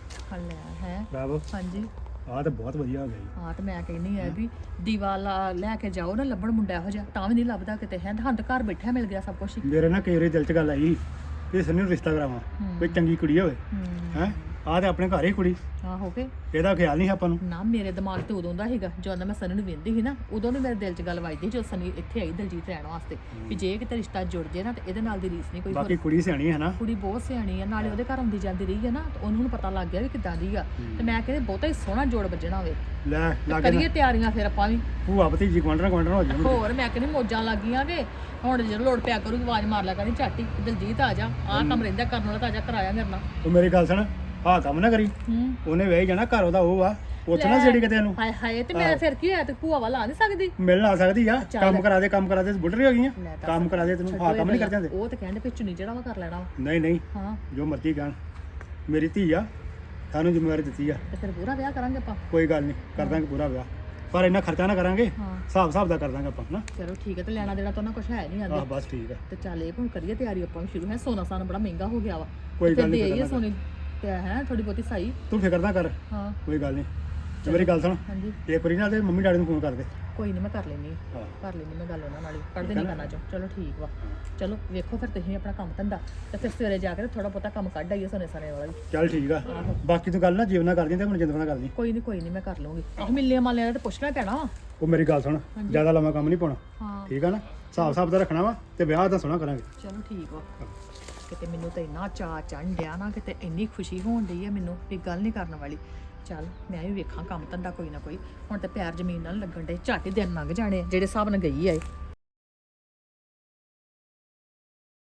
Speaker 1: ਲੈ ਹੈ
Speaker 2: ਪ੍ਰਭ
Speaker 1: ਹਾਂਜੀ।
Speaker 2: ਆਹ ਤਾਂ ਬਹੁਤ ਵਧੀਆ ਹੋ ਗਿਆ ਜੀ।
Speaker 1: ਹਾਂ ਤੇ ਮੈਂ ਕਹਿੰਦੀ ਆ ਵੀ ਦੀਵਾ ਲੈ ਕੇ ਜਾਓ ਨਾ, ਲੱਭਣ ਮੁੰਡਾ ਇਹੋ ਜਿਹਾ ਤਾਂ ਵੀ ਨਹੀਂ ਲੱਭਦਾ ਕਿਤੇ ਹੈ। ਸਾਨੂੰ ਤਾਂ ਘਰ ਬੈਠਾ ਮਿਲ ਗਿਆ ਸਭ ਕੁਝ।
Speaker 2: ਮੇਰੇ ਨਾਲ ਕਈ ਵਾਰੀ ਦਿਲ 'ਚ ਗੱਲ ਆਈ ਕਿ ਸਨੀ ਨੂੰ ਰਿਸ਼ਤਾ ਕਰਾਵਾਂ, ਕੋਈ ਚੰਗੀ ਕੁੜੀ ਹੋਵੇ ਹੈ। ਆਹ ਤੇ ਆਪਣੇ ਘਰ ਹੀ ਕੁੜੀ,
Speaker 1: ਹਾਂ ਹੋ ਗਏ
Speaker 2: ਇਹਦਾ ਖਿਆਲ ਨਹੀਂ ਆਪਾਂ ਨੂੰ।
Speaker 1: ਨਾ ਮੇਰੇ ਦਿਮਾਗ ਤੇ ਉਦੋਂ ਦਾ ਸੀਗਾ ਜਦੋਂ ਮੈਂ ਸਨੀ ਨੂੰ ਵੇਂਦੀ ਸੀ ਨਾ, ਉਦੋਂ ਦੀ ਮੇਰੇ ਦਿਲ 'ਚ ਗੱਲ ਵੱਜਦੀ ਜਦੋਂ ਸਨੀ ਇੱਥੇ ਆਈ ਦਲਜੀਤ ਰਹਿਣ ਵਾਸਤੇ ਵੀ ਜੇ ਕਿਤੇ ਰਿਸ਼ਤਾ ਜੁੜ ਜੇ ਨਾ ਤੇ ਇਹਦੇ ਨਾਲ ਦੀ ਰੀਸ ਨਹੀਂ ਕੋਈ ਹੋਰ।
Speaker 2: ਬਾਕੀ ਕੁੜੀ ਸਿਆਣੀ ਹੈ ਨਾ।
Speaker 1: ਕੁੜੀ ਬਹੁਤ ਸਿਆਣੀ ਆ, ਨਾਲੇ ਉਹਦੇ ਘਰ ਆਉਂਦੀ ਜਾਂਦੀ ਰਹੀ ਹੈ ਨਾ ਤੇ ਉਹਨੂੰ ਹੁਣ ਪਤਾ ਲੱਗ ਗਿਆ ਵੀ ਕਿੱਦਾਂ ਦੀ ਆ। ਤੇ ਮੈਂ ਕਹਿੰਦੀ ਬਹੁਤਾ ਹੀ ਸੋਹਣਾ ਜੋੜ ਵੱਜਣਾ ਹੋਵੇ।
Speaker 2: ਲੈ ਲਾਗੇ
Speaker 1: ਕਰੀਏ ਤਿਆਰੀਆਂ ਫਿਰ ਆਪਾਂ ਵੀ।
Speaker 2: ਭੂਆ ਭਤੀਜੀ ਗੁਆਂਢਣ ਹੋ ਜਾਣ।
Speaker 1: ਹੋਰ ਮੈਂ ਕਹਿੰਦੀ ਮੌਜਾਂ ਲੱਗੀਆਂ ਵੇ। ਹੁਣ ਜਦੋਂ ਲੋੜ ਪਿਆ ਕਰੂਗੀ ਆਵਾਜ਼ ਮਾਰ ਲਿਆ ਕਰੀ ਝਾਟੀ, ਦਲਜੀਤ ਆ ਜਾ, ਆਹ ਕੰਮ ਰਹਿੰਦਾ ਕਰਨ ਵਾਲਾ ਤਾਂ ਆ ਜਾ ਕਰਾਇਆ ਮੇਰੇ ਨਾਲ।
Speaker 2: ਉਹ ਮੇਰੀ ਗੱਲ ਸੁਣ, ਆਹ ਕੰਮ ਨਾ ਕਰੀ।
Speaker 1: ਹੂੰ
Speaker 2: ਉਹਨੇ ਵਿਆਹ ਜਾਣਾ, ਘਰ ਉਹਦਾ ਉਹ ਆ। ਉੱਥੇ ਨਾ ਜਿਹੜੀ ਕਿਤੇ ਇਹਨੂੰ
Speaker 1: ਹਾਏ ਹਾਏ ਤੇ ਮੈਂ ਫਿਰ ਕੀ ਹੋਇਆ ਤੇ ਭੂਆ ਵਾਲਾ ਆ ਨਹੀਂ ਸਕਦੀ
Speaker 2: ਮਿਲਣ ਆ ਸਕਦੀ ਆ
Speaker 1: ਚੱਲ।
Speaker 2: ਕੰਮ ਕਰਾ ਦੇ ਬੁੱਢੀ ਹੋ ਗਈਆਂ
Speaker 1: ਲੈ ਦੱਸ।
Speaker 2: ਕੰਮ ਕਰਾ ਦੇ ਤੈਨੂੰ ਹਾਂ ਕੰਮ ਨਹੀਂ ਕਰ ਜਾਂਦੇ
Speaker 1: ਉਹ ਤੇ ਕਹਿੰਦੇ ਵੀ ਚੁੰਨੀ ਜਿਹੜਾ ਵਾ ਕਰ ਲੈਣਾ ਵਾ।
Speaker 2: ਨਹੀਂ ਨਹੀਂ
Speaker 1: ਹਾਂ
Speaker 2: ਜੋ ਮਰਜ਼ੀ ਕਹਿਣ ਮੇਰੀ ਧੀ ਆ ਸਾਨੂੰ ਜ਼ਿੰਮੇਵਾਰੀ ਦਿੱਤੀ ਆ
Speaker 1: ਤੇ ਫਿਰ ਪੂਰਾ ਵਿਆਹ ਕਰਾਂਗੇ ਆਪਾਂ।
Speaker 2: ਕੋਈ ਗੱਲ ਨਹੀਂ ਕਰ ਦਾਂਗੇ ਪੂਰਾ ਵਿਆਹ ਪਰ ਇੰਨਾ ਖਰਚਾ ਨਾ ਕਰਾਂਗੇ
Speaker 1: ਹਾਂ
Speaker 2: ਹਿਸਾਬ ਦਾ ਕਰ ਦਾਂਗੇ ਆਪਾਂ ਨਾ
Speaker 1: ਚਲੋ ਠੀਕ ਹੈ ਤੇ ਲੈਣਾ ਦੇਣਾ ਤਾਂ ਨਾ ਕੁਝ ਹੈ ਨਹੀਂ ਆਂਦੇ
Speaker 2: ਆਹ ਬਸ ਠੀਕ ਆ
Speaker 1: ਤੇ ਚੱਲ ਇਹ ਹੁਣ ਕਰੀਏ ਤਿਆਰੀ ਆਪਾਂ ਵੀ ਸ਼ੁਰੂ ਹੈ ਸੋਨਾ ਸਾਨਾ ਬੜਾ ਮਹਿੰਗਾ ਹੋ ਗਿਆ ਵਾ
Speaker 2: ਕੋਈ
Speaker 1: ਤੇ
Speaker 2: ਗੱਲ
Speaker 1: ਫਿਰ
Speaker 2: ਨਹੀਂ
Speaker 1: ਦੇ ਆਈਏ ਸੋਨੇ ਤੇ ਹੈ ਥੋੜੀ ਬਹੁਤੀ ਸਹੀ
Speaker 2: ਤੂੰ ਫਿਕਰ ਨਾ ਕਰ
Speaker 1: ਹਾਂ
Speaker 2: ਕੋਈ ਗੱਲ ਨਹੀਂ ਤੇ ਮੇਰੀ ਗੱਲ ਸੁਣ
Speaker 1: ਹਾਂਜੀ
Speaker 2: ਇੱਕ ਵਾਰੀ ਨਾ ਤੇ ਮੰਮੀ ਡੈਡੀ ਨੂੰ ਫੋਨ ਕਰ ਦੇ
Speaker 1: ਕੋਈ ਨਹੀਂ ਮੈਂ ਕਰ ਲੈਣੀ
Speaker 2: ਹਾਂ
Speaker 1: ਕਰ ਲੈਣੀ ਮੈਂ ਗੱਲ ਉਹਨਾਂ ਨਾਲ ਹੀ ਪੜਦੇ ਨਹੀਂ ਕਰਨਾ ਚੋ ਚਲੋ ਠੀਕ ਵਾ ਚਲੋ ਵੇਖੋ ਫਿਰ ਤੁਸੀਂ ਆਪਣਾ ਕੰਮ ਧੰਦਾ ਤੇ ਫਿਰ ਸਵੇਰੇ ਜਾ ਕੇ ਥੋੜਾ ਬਹੁਤਾ ਕੰਮ ਕੱਢ ਆਈਏ ਸੋਨੇ ਸਾਨੇ ਵਾਲਾ ਵੀ
Speaker 2: ਚੱਲ ਠੀਕ ਆ ਬਾਕੀ ਤੂੰ ਗੱਲ ਨਾ ਜੀਵਨ ਨਾਲ ਕਰਦੀ ਤੇ ਮਨਜਿੰਦਰ ਨਾਲ ਕਰਦੀ
Speaker 1: ਕੋਈ ਨਹੀਂ ਮੈਂ ਕਰ ਲਵਾਂਗੀ ਆਹ ਮਿਲਨੇ ਮਾਲਿਆਂ ਦਾ ਤੇ ਪੁੱਛਣਾ ਪੈਣਾ ਵਾ
Speaker 2: ਉਹ ਮੇਰੀ ਗੱਲ ਸੁਣ ਜ਼ਿਆਦਾ ਲੰਮਾ ਕੰਮ ਨਹੀਂ ਪਾਉਣਾ
Speaker 1: ਹਾਂ
Speaker 2: ਠੀਕ ਆ ਨਾ ਹਿਸਾਬ ਦਾ ਰੱਖਣਾ ਵਾ ਤੇ ਵਿਆਹ ਦਾ ਸੋਹਣਾ ਕਰਾਂਗੇ
Speaker 1: ਚਲੋ ਠੀਕ ਵਾ ਕਿਤੇ ਮੈਨੂੰ ਤਾਂ ਇੰਨਾ ਚਾਅ ਚੜ੍ਹਨ ਡਿਆ ਨਾ ਕਿਤੇ ਇੰਨੀ ਖੁਸ਼ੀ ਹੋਣ ਡਈ ਹੈ ਮੈਨੂੰ ਵੀ ਗੱਲ ਨਹੀਂ ਕਰਨ ਵਾਲੀ ਚੱਲ ਮੈਂ ਵੀ ਵੇਖਾਂ ਕੰਮ ਧੰਦਾ ਕੋਈ ਨਾ ਕੋਈ ਹੁਣ ਤੇ ਪੈਰ ਜ਼ਮੀਨ ਨਾਲ ਲੱਗਣ ਡੇ ਝੱਟ ਹੀ ਦਿਨ ਲੰਘ ਜਾਣੇ ਆ, ਜਿਹੜੇ ਹਿਸਾਬ ਨਾਲ ਗਈ ਆ ਇਹ